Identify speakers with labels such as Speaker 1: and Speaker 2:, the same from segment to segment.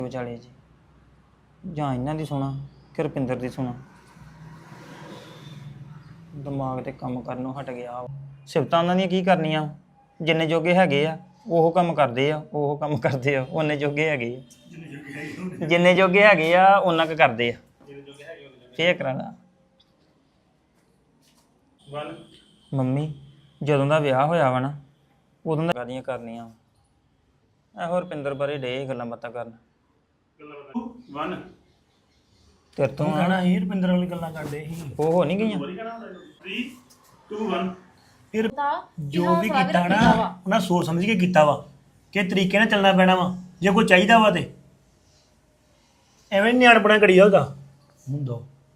Speaker 1: ਵਿਚਾਲੇ ਜੀ ਜਾਂ ਇਹਨਾਂ ਦੀ ਸੁਣਾ ਕਿ ਰੁਪਿੰਦਰ ਦੀ ਸੁਣਾ। ਦਿਮਾਗ ਤੇ ਕੰਮ ਕਰਨੋਂ ਹਟ ਗਿਆ। ਸਿਫਤਾਂ ਉਹਨਾਂ ਦੀਆਂ ਕੀ ਕਰਨੀਆਂ, ਜਿੰਨੇ ਜੋਗੇ ਹੈਗੇ ਆ ਉਹ ਕੰਮ ਕਰਦੇ ਆ, ਉਹ ਕੰਮ ਕਰਦੇ ਆ, ਉਹਨੇ ਜੋਗੇ ਹੈਗੇ ਆ, ਜਿੰਨੇ ਜੋਗੇ ਹੈਗੇ ਆ ਉਹਨਾਂ ਕੁ ਕਰਦੇ ਆ। ਫੇਰ ਕਰਾਣਾ ਮੰਮੀ ਜਦੋਂ ਦਾ ਵਿਆਹ ਹੋਇਆ ਵਾ ਨਾ ਉਦੋਂ ਦਾ ਗਾਲੀਆਂ ਕਰਨੀਆਂ ਇਹੋ ਰੁਪਿੰਦਰ ਬਾਰੇ ਡੇ ਗੱਲਾਂ ਬਾਤਾਂ ਕਰਨ ਤੇਰੇ ਤੋਂ
Speaker 2: ਕਹਿਣਾ ਸੀ ਰੁਪਿੰਦਰ ਵਾਲੀ ਗੱਲਾਂ ਕਰਦੇ ਸੀ
Speaker 1: ਉਹ ਹੋ ਨਹੀਂ ਗਈਆਂ।
Speaker 2: 3 2 1 ਫਿਰ ਜੋ ਵੀ ਕੀਤਾ ਨਾ ਉਹਨਾਂ ਸੋਚ ਸਮਝ ਕੇ ਕੀਤਾ ਵਾ ਕਿ ਤਰੀਕੇ ਨਾਲ ਚੱਲਣਾ ਪੈਣਾ ਵਾ। ਜੇ ਕੋਈ ਚਾਹੀਦਾ ਵਾ ਤੇ ਐਵੇਂ ਨਿਆਣਪਣਾ ਕਰੀ ਜਾਊਗਾ ਹੁੰਦਾ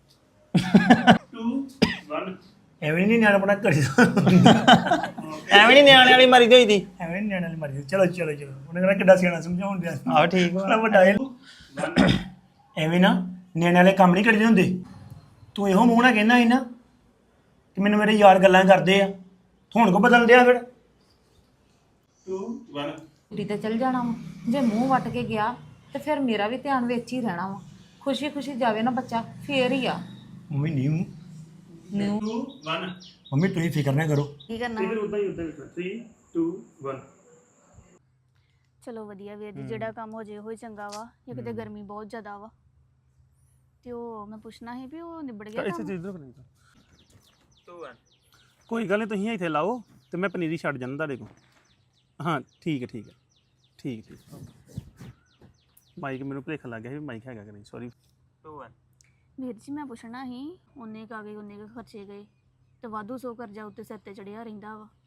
Speaker 2: 2 1 ਐਵੇਂ ਨਹੀਂ ਨਿਆਣਪਣਾ ਕਰੀ
Speaker 1: ਐਵੇਂ ਨਹੀਂ ਨਿਆਣੇ ਵਾਲੀ ਮਰੀ ਹੋਈ ਦੀ
Speaker 2: ਐਵੇਂ ਨੀ ਨਿਆਣੇ ਵਾਲੀ ਮਰਜ਼ੀ। ਚਲੋ ਚਲੋ ਚਲੋ ਉਹਨੇ ਕਹਿੰਦਾ ਕਿੱਡਾ ਸਿਆਣਾ ਸਮਝਾਉਣ ਦਿਆ
Speaker 1: ਆਹੋ ਠੀਕ ਵਾ।
Speaker 2: ਵੱਡਾ ਐਵੇਂ ਨਾ ਨਿਆਣੇ ਵਾਲੇ ਕੰਮ ਨਹੀਂ ਕਰੀਦੇ ਹੁੰਦੇ। ਤੂੰ ਇਹੋ ਮੂੰਹ ਨਾਲ ਕਹਿੰਦਾ ਸੀ ਨਾ ਕਿ ਮੈਨੂੰ ਮੇਰੇ ਯਾਰ ਗੱਲਾਂ ਕਰਦੇ ਆ, ਹੁਣ ਕੋ ਬਦਲ ਦਿਆ ਫਿਰ 2 1
Speaker 3: ਕੁੜੀ ਤੇ ਚਲ ਜਾਣਾ ਵਾ। ਜੇ ਮੂੰਹ ਵੱਟ ਕੇ ਗਿਆ ਤੇ ਫਿਰ ਮੇਰਾ ਵੀ ਧਿਆਨ ਵਿੱਚ ਹੀ ਰਹਿਣਾ ਵਾ। ਖੁਸ਼ੀ ਖੁਸ਼ੀ ਜਾਵੇ ਨਾ ਬੱਚਾ ਫੇਰ ਹੀ ਆ।
Speaker 2: ਮੰਮੀ ਨਹੀਂ 2 1 ਮੰਮੀ ਤੁਸੀਂ ਫਿਕਰ ਨਾ ਕਰੋ।
Speaker 3: ਕੀ ਕਰਨਾ
Speaker 2: ਫਿਰ ਉਦਾਂ ਹੀ 3 2 1
Speaker 4: ਚਲੋ ਵਧੀਆ ਵੀਰ ਜੀ, ਜਿਹੜਾ ਕੰਮ ਹੋ ਜੇ ਉਹ ਹੀ ਚੰਗਾ ਵਾ। ਜਾਂ ਕਿਤੇ ਗਰਮੀ ਬਹੁਤ ਜ਼ਿਆਦਾ ਵਾ ਤੇ ਉਹ ਮੈਂ ਪੁੱਛਣਾ ਸੀ ਵੀ ਉਹ ਨਿਬੜ ਗਿਆ ਕੰਮ?
Speaker 5: ਚੀਜ਼ ਰੱਖਣੀ ਕੋਈ ਗੱਲ ਨਹੀਂ, ਤੁਸੀਂ ਇੱਥੇ ਲਾਓ ਤੇ ਮੈਂ ਪਨੀਰੀ ਛੱਡ ਜਾਂਦਾ ਤੁਹਾਡੇ ਕੋਲ। ਹਾਂ ਠੀਕ ਹੈ ਠੀਕ ਹੈ ਠੀਕ ਠੀਕ। ਮਾਈਕ ਮੈਨੂੰ ਭੁਲੇਖਾ ਲੱਗ ਗਿਆ ਸੀ ਮਾਈਕ ਹੈਗਾ ਕਿ ਨਹੀਂ, ਸੌਰੀ।
Speaker 1: 2 1
Speaker 4: ਵੀਰ ਜੀ ਮੈਂ ਪੁੱਛਣਾ ਸੀ, ਉਹਨੇ ਕਾਗਜ਼ ਉਹਨੇ ਕੁ ਖਰਚੇ ਗਏ ਤੇ ਵਾਧੂ ਸੋ ਕਰਜ਼ਾ ਉੱਤੇ ਸਿਰ ਤੇ ਚੜਿਆ ਰਹਿੰਦਾ ਵਾ।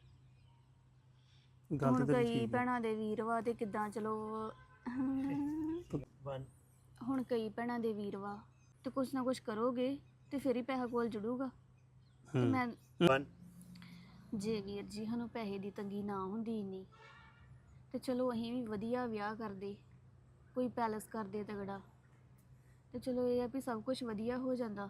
Speaker 5: ਗੱਲ
Speaker 4: ਹੁਣ
Speaker 5: ਤੇ ਤੇਰੀ
Speaker 4: ਕਈ
Speaker 5: ਠੀਕ ਹੈ।
Speaker 4: ਭੈਣਾਂ ਦੇ ਵੀਰ ਵਾ ਤੇ ਕਿੱਦਾਂ ਚਲੋ
Speaker 2: 1
Speaker 4: ਹੁਣ ਕਈ ਭੈਣਾਂ ਦੇ ਵੀਰ ਵਾ ਤੇ ਕੁਛ ਨਾ ਕੁਛ ਕਰੋਗੇ ਤੇ ਫਿਰ ਹੀ ਪੈਸਾ ਕੋਲ ਜੁੜੂਗਾ। ਤੇ ਮੈਂ
Speaker 2: 1
Speaker 4: ਜੇ ਵੀਰ ਜੀ ਸਾਨੂੰ ਪੈਸੇ ਦੀ ਤੰਗੀ ਨਾ ਹੁੰਦੀ ਇੰਨੀ ਤੇ ਚਲੋ ਅਸੀਂ ਵੀ ਵਧੀਆ ਵਿਆਹ ਕਰਦੇ, ਕੋਈ ਪੈਲਸ ਕਰਦੇ ਤਗੜਾ, ਤੇ ਚਲੋ ਇਹ ਆ ਵੀ ਸਭ ਕੁਝ ਵਧੀਆ ਹੋ ਜਾਂਦਾ।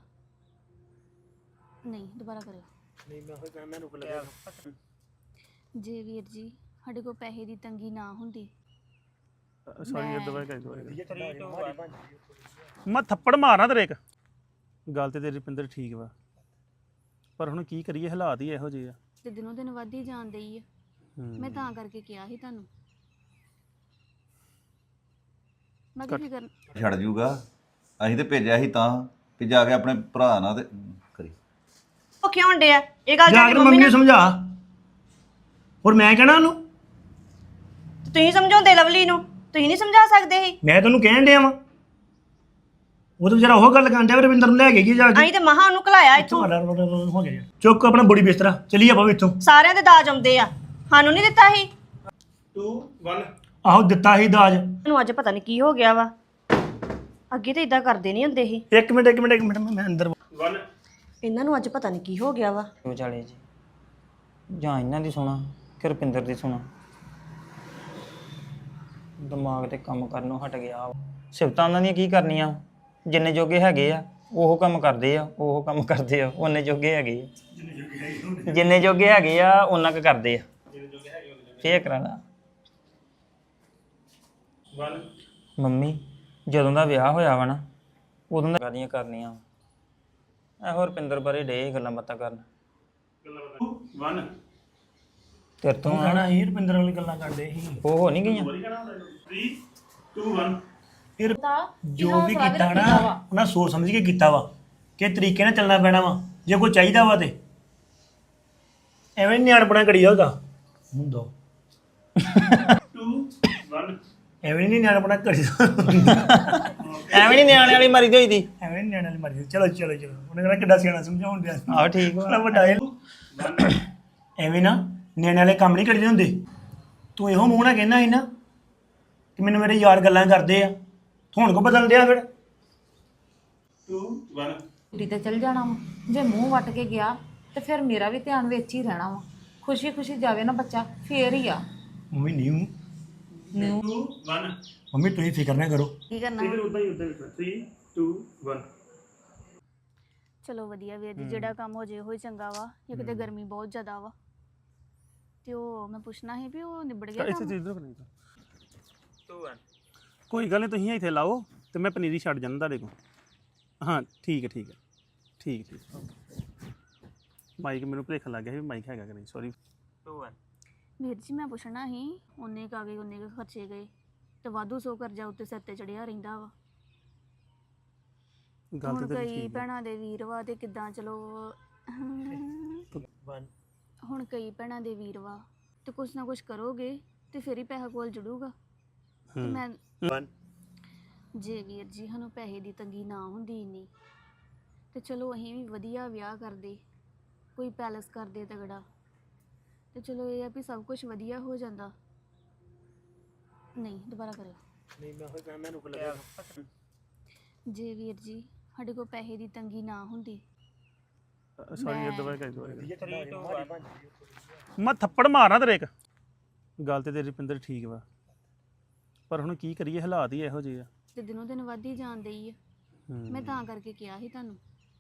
Speaker 4: ਨਹੀਂ ਦੁਬਾਰਾ ਕਰਿਓ।
Speaker 2: ਨਹੀਂ ਮੈਂ ਉਹ ਕਹਿੰਦਾ ਮੈਨੂੰ ਲੱਗਿਆ
Speaker 4: ਜੇ ਵੀਰ ਜੀ ਸਾਡੇ ਕੋਲ ਪੈਸੇ ਦੀ ਤੰਗੀ ਨਾ ਹੁੰਦੀ
Speaker 5: ਸੌਰੀ
Speaker 4: ਮੈਂ-
Speaker 5: ਦੁਬਾਰਾ ਕਰ ਦੁਬਾਰਾ ਮੈਂ ਥੱਪੜ ਮਾਰਨਾ ਤੇਰੇ ਇੱਕ। ਗੱਲ ਤੇ ਤੇਰੀ ਰੁਪਿੰਦਰ ਠੀਕ ਵਾ, ਪਰ ਹੁਣ ਕੀ ਕਰੀਏ, ਹਾਲਾਤ ਹੀ ਇਹੋ ਜਿਹੇ ਆ।
Speaker 4: ਤੇ ਦਿਨੋਂ ਦਿਨ ਵੱਧ ਹੀ ਜਾਣ ਡਈ ਆ। ਮੈਂ ਤਾਂ ਕਰਕੇ ਕਿਹਾ ਸੀ ਤੁਹਾਨੂੰ। ਮੈਂ ਕੀ ਫਿਕਰ
Speaker 6: ਛੱਡ ਜੂਗਾ। ਅਸੀਂ ਤੇ ਭੇਜਿਆ ਸੀ ਤਾਂ ਵੀ ਜਾ ਕੇ ਆਪਣੇ ਭਰਾ ਨਾਲ ਤੇ ਕਰੀ।
Speaker 7: ਉਹ ਕਿਉਂ ਡਿਆ ਇਹ ਗੱਲ
Speaker 2: ਜਾ
Speaker 7: ਜਾ
Speaker 2: ਕੇ
Speaker 7: ਕੇ
Speaker 2: ਮੰਮੀ ਨੂੰ ਸਮਝਾ। ਹੋਰ ਮੈਂ ਕਹਿਣਾ ਉਹਨੂੰ,
Speaker 7: ਤੁਸੀਂ ਸਮਝਾਉਂਦੇ ਲਵਲੀ ਨੂੰ, ਤੁਸੀਂ ਨਹੀਂ ਸਮਝਾ ਸਕਦੇ ਸੀ।
Speaker 2: ਮੈਂ ਤੈਨੂੰ ਕਹਿਣ ਡਿਆ ਵਾਂ। ਉਹ ਤਾਂ ਵਿਚਾਰਾ ਉਹ ਗੱਲ ਕਰਨ ਡਿਆ ਵੀ ਰਵਿੰਦਰ ਨੂੰ ਲੈ ਕੇ ਗਈ ਜਾ ਕੇ।
Speaker 7: ਅਸੀਂ ਤੇ ਮਹਾ ਉਹਨੂੰ ਘਲਾਇਆ ਇੱਥੋਂ।
Speaker 2: ਹੋ ਗਿਆ ਚੁੱਕ ਆਪਣਾ ਬੋੜੀ ਬਿਸਤਰਾ ਚਲੀਏ ਆਪਾਂ ਵੀ ਇੱਥੋਂ।
Speaker 7: ਸਾਰਿਆਂ ਦੇ ਦਾਜ ਆਉਂਦੇ ਆ, ਸਾਨੂੰ ਨਹੀਂ ਦਿੱਤਾ ਸੀ।
Speaker 2: 2 1 ਆਹੋ ਦਿੱਤਾ ਸੀ ਦਾਜ।
Speaker 7: ਮੈਨੂੰ ਅੱਜ ਪਤਾ ਨਹੀਂ ਕੀ ਹੋ ਗਿਆ ਵਾ। ਅੱਗੇ ਤੇ ਇਦਾਂ ਕਰਦੇ ਨਹੀਂ ਹੁੰਦੇ ਸੀ।
Speaker 2: ਇੱਕ ਮਿੰਟ ਮੈਂ ਅੰਦਰ 1
Speaker 7: ਇਹਨਾਂ ਨੂੰ ਅੱਜ ਪਤਾ ਨਹੀਂ ਕੀ ਹੋ ਗਿਆ ਵਾ।
Speaker 1: ਵਿਚਾਲੇ ਜੀ ਜਾਂ ਇਹਨਾਂ ਦੀ ਸੁਣਾ ਕਿ ਰੁਪਿੰਦਰ ਦੀ ਸੁਣਾ। ਦਿਮਾਗ ਤੇ ਕੰਮ ਕਰਨੋਂ ਹਟ ਗਿਆ। ਸਿਫਤਾਂ ਉਹਨਾਂ ਦੀਆਂ ਕੀ ਕਰਨੀਆਂ, ਜਿੰਨੇ ਜੋਗੇ ਹੈਗੇ ਆ ਉਹ ਕੰਮ ਕਰਦੇ ਆ, ਉਹ ਕੰਮ ਕਰਦੇ ਆ, ਉਹਨੇ ਜੋਗੇ ਹੈਗੇ ਆ, ਜਿੰਨੇ ਜੋਗੇ ਹੈਗੇ ਆ ਉਹਨਾਂ ਕੁ ਕਰਦੇ ਆ। ਫੇਰ ਕਰਾਣਾ ਮੰਮੀ ਜਦੋਂ ਦਾ ਵਿਆਹ ਹੋਇਆ ਵਾ ਨਾ ਉਦੋਂ ਦਾ ਗਾਲੀਆਂ ਕਰਨੀਆਂ ਇਹੋ ਰੁਪਿੰਦਰ ਬਾਰੇ ਡੇ ਗੱਲਾਂ ਬਾਤਾਂ ਕਰਨ
Speaker 2: 1
Speaker 1: ਤੇਰੇ ਤੋਂ
Speaker 2: ਕਹਿਣਾ ਸੀ ਰੁਪਿੰਦਰ ਵਾਲੀ ਗੱਲਾਂ ਕਰਦੇ ਸੀ।
Speaker 1: ਉਹ ਹੋ ਨਹੀਂ ਗਈਆਂ।
Speaker 2: 3 2 1 ਫਿਰ ਜੋ ਵੀ ਕੀਤਾ ਨਾ ਉਹਨਾਂ ਸੋਚ ਸਮਝ ਕੇ ਕੀਤਾ ਵਾ ਕਿ ਤਰੀਕੇ ਨਾਲ ਚੱਲਣਾ ਪੈਣਾ ਵਾ। ਜੇ ਕੋਈ ਚਾਹੀਦਾ ਵਾ ਤੇ ਐਵੇਂ ਨਿਆਣਪਣਾ ਕਰੀ ਜਾਊਗਾ ਹੁੰਦਾ 2 1 ਐਵੇਂ ਨਹੀਂ ਨਿਆਣਪਣਾ ਕਰੀ
Speaker 1: ਐਵੇਂ ਨਹੀਂ ਨਿਆਣੇ ਵਾਲੀ ਮਰੀ ਹੋਈ ਦੀ।
Speaker 2: ਐਵੇਂ ਨੀ ਨਿਆਣੇ ਵਾਲੀ ਮਰਜ਼ੀ। ਚਲੋ ਚਲੋ ਚਲੋ ਉਹਨੇ ਕਹਿੰਦਾ ਕਿੱਡਾ ਸਿਆਣਾ ਸਮਝਾਉਣ ਦਿਆ
Speaker 1: ਆਹੋ ਠੀਕ ਵਾ।
Speaker 2: ਵੱਡਾ ਐਵੇਂ ਨਾ ਨਿਆਣੇ ਵਾਲੇ ਕੰਮ ਨਹੀਂ ਕਰੀਦੇ ਹੁੰਦੇ। ਤੂੰ ਇਹੋ ਮੂੰਹ ਨਾਲ ਕਹਿੰਦਾ ਸੀ ਨਾ ਕਿ ਮੈਨੂੰ ਮੇਰੇ ਯਾਰ ਗੱਲਾਂ ਕਰਦੇ ਆ, ਹੁਣ ਕੋ ਬਦਲ ਦਿਆ ਫਿਰ 2 1
Speaker 3: ਕੁੜੀ ਤੇ ਚਲ ਜਾਣਾ ਵਾ। ਜੇ ਮੂੰਹ ਵੱਟ ਕੇ ਗਿਆ ਤੇ ਫਿਰ ਮੇਰਾ ਵੀ ਧਿਆਨ ਵਿੱਚ ਹੀ ਰਹਿਣਾ ਵਾ। ਖੁਸ਼ੀ ਖੁਸ਼ੀ ਜਾਵੇ ਨਾ ਬੱਚਾ ਫੇਰ ਹੀ ਆ।
Speaker 2: ਮੰਮੀ ਨਹੀਂ 2 1 ਮੰਮੀ ਤੁਸੀਂ ਫਿਕਰ ਨਾ ਕਰੋ।
Speaker 3: ਕੀ ਕਰਨਾ
Speaker 2: ਫਿਰ ਉਦਾਂ ਹੀ 3 2 1
Speaker 4: ਚਲੋ ਵਧੀਆ ਵੀਰ ਜੀ, ਜਿਹੜਾ ਕੰਮ ਹੋ ਜੇ ਉਹ ਹੀ ਚੰਗਾ ਵਾ। ਜਾਂ ਕਿਤੇ ਗਰਮੀ ਬਹੁਤ ਜ਼ਿਆਦਾ ਵਾ ਤੇ ਉਹ ਮੈਂ ਪੁੱਛਣਾ ਸੀ ਵੀ ਉਹ ਨਿਬੜ ਗਿਆ ਕੰਮ?
Speaker 5: ਚੀਜ਼ ਰੱਖਣੀ
Speaker 1: 2 1
Speaker 5: ਕੋਈ ਗੱਲ ਨਹੀਂ ਤੁਸੀਂ ਇੱਥੇ ਲਾਓ ਤੇ ਮੈਂ ਪਨੀਰੀ ਛੱਡ ਜਾਂਦਾ ਤੁਹਾਡੇ ਕੋਲ ਹਾਂ ਠੀਕ ਹੈ ਠੀਕ ਹੈ ਠੀਕ ਮਾਈਕ ਮੈਨੂੰ ਭੁਲੇਖਾ ਲੱਗ ਗਿਆ ਸੀ ਵੀ ਮਾਈਕ ਹੈਗਾ ਕਿ ਨਹੀਂ ਸੌਰੀ
Speaker 1: 2 1
Speaker 4: ਵੀਰ ਜੀ ਮੈਂ ਪੁੱਛਣਾ ਸੀ ਉਹਨੇ ਕਾਗੇ ਉਹਨੇ ਕੁ ਖਰਚੇ ਗਏ ਤੇ ਵਾਧੂ ਸੋ ਕਰਜ਼ਾ ਉੱਤੇ ਸਿਰ ਤੇ ਚੜਿਆ ਰਹਿੰਦਾ ਵਾ
Speaker 5: ਗੱਲ
Speaker 4: ਹੁਣ
Speaker 5: ਤੇ ਤੇਰੀ
Speaker 4: ਕਈ
Speaker 5: ਠੀਕ ਹੈ
Speaker 4: ਭੈਣਾਂ ਦੇ ਵੀਰ ਵਾ ਤੇ ਕਿੱਦਾਂ ਚਲੋ ਹੁਣ ਕਈ ਭੈਣਾਂ ਦੇ ਵੀਰ ਵਾ ਤੇ ਕੁਛ ਨਾ ਕੁਛ ਕਰੋਗੇ ਤੇ ਫਿਰ ਹੀ ਪੈਸਾ ਕੋਲ ਜੁੜੂਗਾ ਤੇ ਮੈਂ ਜੇ ਵੀਰ ਜੀ ਸਾਨੂੰ ਪੈਸੇ ਦੀ ਤੰਗੀ ਨਾ ਹੁੰਦੀ ਇੰਨੀ ਤੇ ਚਲੋ ਅਸੀਂ ਵੀ ਵਧੀਆ ਵਿਆਹ ਕਰਦੇ ਕੋਈ ਪੈਲਸ ਕਰਦੇ ਤਗੜਾ ਤੇ ਚਲੋ ਇਹ ਆ ਵੀ ਸਭ ਕੁਝ ਵਧੀਆ ਹੋ ਜਾਂਦਾ ਨਹੀਂ ਦੁਬਾਰਾ ਕਰਿਓ ਜੇ ਵੀਰ ਜੀ ਸਾਡੇ ਕੋਲ ਪੈਸੇ ਦੀ ਤੰਗੀ ਨਾ ਹੁੰਦੀ
Speaker 5: ਸੌਰੀ ਦੁਬਾਰਾ ਕਰ ਦੋ ਮੈਂ ਥੱਪੜ ਮਾਰਨਾ ਤੇਰੇ ਇੱਕ ਗੱਲ ਤੇ ਤੇਰੀ ਰੁਪਿੰਦਰ ਠੀਕ ਵਾ ਪਰ ਹੁਣ ਕੀ ਕਰੀਏ ਹਾਲਾਤ ਹੀ ਇਹੋ ਜਿਹੇ ਆ
Speaker 4: ਤੇ ਦਿਨੋਂ ਦਿਨ ਵੱਧਦੀ ਜਾਂਦੀ ਆ ਮੈਂ ਤਾਂ ਕਰਕੇ ਕਿਹਾ ਸੀ ਤੁਹਾਨੂੰ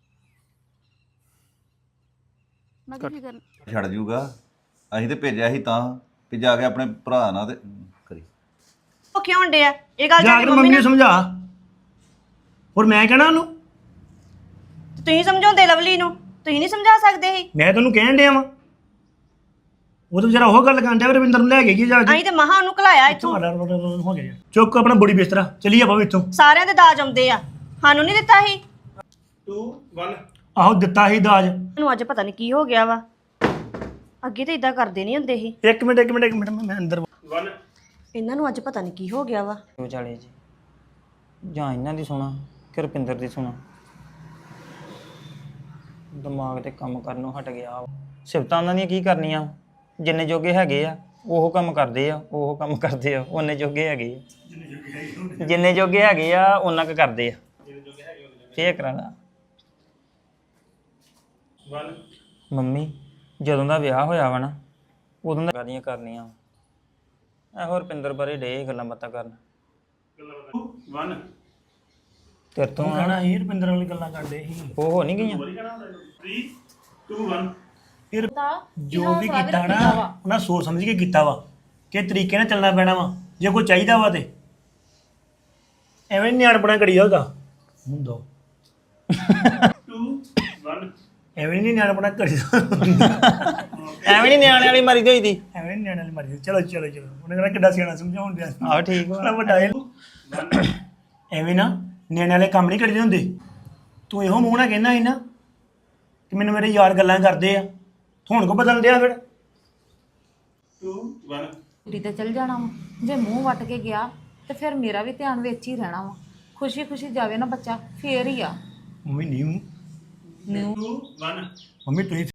Speaker 4: ਮੈਂ ਕੀ ਫਿਕਰ
Speaker 6: ਛੱਡ ਜੂਗਾ ਅਸੀਂ ਤੇ ਭੇਜਿਆ ਸੀ ਤਾਂ ਵੀ ਜਾ ਕੇ ਆਪਣੇ ਭਰਾ ਨਾਲ ਤੇ ਕਰੀ
Speaker 7: ਉਹ ਕਿਉਂ ਹੁੰਦੇ ਆ ਇਹ ਗੱਲ
Speaker 2: ਜਾ
Speaker 7: ਜਾ
Speaker 2: ਕੇ
Speaker 7: ਕੇ
Speaker 2: ਮੰਮੀ ਨੂੰ ਸਮਝਾ ਹੋਰ ਮੈਂ ਕਹਿਣਾ ਉਹਨੂੰ
Speaker 7: ਤੁਸੀਂ ਸਮਝਾਉਂਦੇ ਲਵਲੀ ਨੂੰ ਤੁਸੀਂ ਨਹੀਂ ਸਮਝਾ ਸਕਦੇ ਸੀ
Speaker 2: ਮੈਂ ਤੈਨੂੰ ਕਹਿਣ ਡਿਆ ਵਾਂ ਉਹ ਤਾਂ ਵਿਚਾਰਾ ਉਹ ਗੱਲ ਕਰਨ ਡਿਆ ਵੀ ਰਵਿੰਦਰ ਨੂੰ ਲੈ ਕੇ ਕੀ ਜਾ ਕੇ
Speaker 7: ਅਸੀਂ ਤੇ ਮਹਾ ਉਹਨੂੰ ਘਲਾਇਆ ਇੱਥੋਂ
Speaker 2: ਹੋ ਗਿਆ ਚੁੱਕ ਆਪਣਾ ਬੋਡੀ ਬਿਸਤਰਾ ਚਲੀਏ ਆਪਾਂ ਵੀ ਇੱਥੋਂ
Speaker 7: ਸਾਰਿਆਂ ਦੇ ਦਾਜ ਆਉਂਦੇ ਆ ਸਾਨੂੰ ਨਹੀਂ ਦਿੱਤਾ ਸੀ
Speaker 5: 2 1
Speaker 2: ਆਹੋ ਦਿੱਤਾ ਸੀ ਦਾਜ
Speaker 7: ਮੈਨੂੰ ਅੱਜ ਪਤਾ ਨਹੀਂ ਕੀ ਹੋ ਗਿਆ ਵਾ ਅੱਗੇ ਤਾਂ ਇਦਾਂ ਕਰਦੇ ਨਹੀਂ ਹੁੰਦੇ ਸੀ
Speaker 2: ਇੱਕ ਮਿੰਟ ਮੈਂ ਅੰਦਰ
Speaker 5: 1
Speaker 7: ਇਹਨਾਂ ਨੂੰ ਅੱਜ ਪਤਾ ਨਹੀਂ ਕੀ ਹੋ ਗਿਆ ਵਾ
Speaker 1: ਵਿਚਾਲੇ ਜੀ ਜਾਂ ਇਹਨਾਂ ਦੀ ਸੁਣਾ ਕਿ ਰੁਪਿੰਦਰ ਦੀ ਸੁਣਾ ਦਿਮਾਗ ਤੇ ਕੰਮ ਕਰਨੋਂ ਹਟ ਗਿਆ ਵਾ। ਸਿਫਤਾਂ ਉਹਨਾਂ ਦੀਆਂ ਕੀ ਕਰਨੀਆਂ ਜਿੰਨੇ ਜੋਗੇ ਹੈਗੇ ਆ ਉਹ ਕੰਮ ਕਰਦੇ ਆ ਉਹ ਕੰਮ ਕਰਦੇ ਆ ਉਹਨੇ ਜੋਗੇ ਹੈਗੇ ਆ ਜਿੰਨੇ ਜੋਗੇ ਹੈਗੇ ਆ ਉਹਨਾਂ ਕੁ ਕਰਦੇ ਆ ਫੇਰ ਕਰਾਣਾ
Speaker 5: 1
Speaker 1: ਮੰਮੀ ਜਦੋਂ ਦਾ ਵਿਆਹ ਹੋਇਆ ਵਾ ਨਾ ਉਦੋਂ ਦਾ ਗਾਲੀਆਂ ਕਰਨੀਆਂ ਇਹੋ ਰੁਪਿੰਦਰ ਬਾਰੇ ਡੇ ਗੱਲਾਂ ਬਾਤਾਂ ਕਰਨ
Speaker 5: 1
Speaker 1: ਤੇਰੇ ਤੋਂ ਆ,
Speaker 2: ਕਹਿਣਾ ਇਹ ਰੁਪਿੰਦਰ ਵਾਲੀ ਗੱਲਾਂ ਕਰਦੇ ਸੀ
Speaker 1: ਉਹ ਹੋ ਨਹੀਂ ਗਈਆਂ
Speaker 5: 3 2 1
Speaker 2: ਫਿਰ ਜੋ ਵੀ ਕੀਤਾ ਨਾ ਉਹਨਾਂ ਸੋਚ ਸਮਝ ਕੇ ਕੀਤਾ ਵਾ ਕਿ ਤਰੀਕੇ ਨਾਲ ਚੱਲਣਾ ਪੈਣਾ ਵਾ ਜੇ ਕੋਈ ਚਾਹੀਦਾ ਵਾ ਤੇ ਐਵੇਂ ਨਿਆਣਪਣਾ ਕਰੀ ਹੋਗਾ ਹੁੰਦਾ
Speaker 5: 2 1
Speaker 2: ਐਵੇਂ ਨਹੀਂ ਨਿਆਣਪਣਾ ਕਰੀ
Speaker 1: ਐਵੇਂ ਨਹੀਂ ਨਿਆਣੇ ਵਾਲੀ ਮਰੀ ਹੋਈ ਦੀ
Speaker 2: ਐਵੇਂ ਨੀ ਨਿਆਣੇ ਵਾਲੀ ਮਰਜ਼ੀ ਚਲੋ ਉਹਨੇ ਕਹਿੰਦਾ ਕਿੱਡਾ ਸਿਆਣਾ ਸਮਝਾਉਣ ਦਿਆ
Speaker 1: ਆਹ ਠੀਕ ਵਾ
Speaker 2: ਬੜਾ ਵੱਡਾ ਇਹ ਐਵੇਂ ਨਾ ਨਿਆਣੇ ਵਾਲੇ ਕੰਮ ਨਹੀਂ ਕਰੀਦੇ ਹੁੰਦੇ ਤੂੰ ਇਹੋ ਮੂੰਹ ਨਾਲ ਕਹਿੰਦਾ ਸੀ ਨਾ ਕਿ ਮੈਨੂੰ ਮੇਰੇ ਯਾਰ ਗੱਲਾਂ ਕਰਦੇ ਆ ਹੁਣ ਕੋ ਬਦਲ ਦਿਆ ਫਿਰ
Speaker 5: 2 1
Speaker 3: ਕੁੜੀ ਤੇ ਚਲ ਜਾਣਾ ਵਾ ਜੇ ਮੂੰਹ ਵੱਟ ਕੇ ਗਿਆ ਤੇ ਫਿਰ ਮੇਰਾ ਵੀ ਧਿਆਨ ਵਿੱਚ ਹੀ ਰਹਿਣਾ ਵਾ ਖੁਸ਼ੀ ਖੁਸ਼ੀ ਜਾਵੇ ਨਾ ਬੱਚਾ ਫੇਰ ਹੀ ਆ
Speaker 2: ਮੰਮੀ ਨਹੀਂ
Speaker 5: 2 1
Speaker 2: ਮੰਮੀ ਤੁਸੀਂ